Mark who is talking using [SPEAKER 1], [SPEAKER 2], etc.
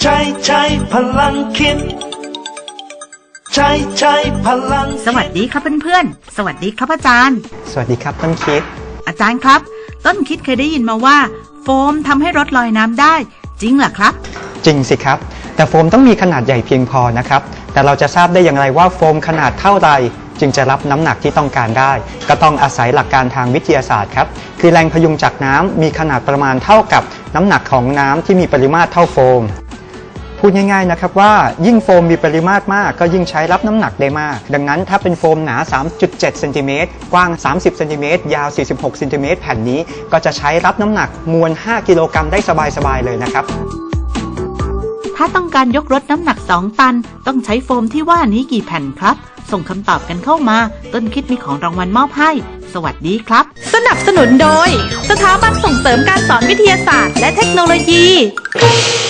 [SPEAKER 1] ใช้พลังคิดใช้พลัง
[SPEAKER 2] สวัสดีครับเพื่อนๆสวัสดีครับอาจารย์
[SPEAKER 3] สวัสดีครับต้นคิด
[SPEAKER 2] อาจารย์ครับต้นคิดเคยได้ยินมาว่าโฟมทำให้รถลอยน้ำได้จริงเหรอครับ
[SPEAKER 3] จริงสิครับแต่โฟมต้องมีขนาดใหญ่เพียงพอนะครับแต่เราจะทราบได้อย่างไรว่าโฟมขนาดเท่าใดจึงจะรับน้ำหนักที่ต้องการได้ก็ต้องอาศัยหลักการทางวิทยาศาสตร์ครับคือแรงพยุงจากน้ำมีขนาดประมาณเท่ากับน้ำหนักของน้ำที่มีปริมาตรเท่าโฟมพูดง่ายๆนะครับว่ายิ่งโฟมมีปริมาตรมากก็ยิ่งใช้รับน้ำหนักได้มากดังนั้นถ้าเป็นโฟมหนา 3.7 เซนติเมตรกว้าง 30 เซนติเมตรยาว 46 เซนติเมตรแผ่นนี้ก็จะใช้รับน้ำหนักมวล 5 กิโลกรัมได้สบายๆเลยนะครับ
[SPEAKER 2] ถ้าต้องการยกรถน้ำหนัก2 ตันต้องใช้โฟมที่ว่านี้กี่แผ่นครับส่งคำตอบกันเข้ามาต้นคิดมีของรางวัลมอบให้สวัสดีครับ
[SPEAKER 4] สนับสนุนโดยสถาบันส่งเสริมการสอนวิทยาศาสตร์และเทคโนโลยี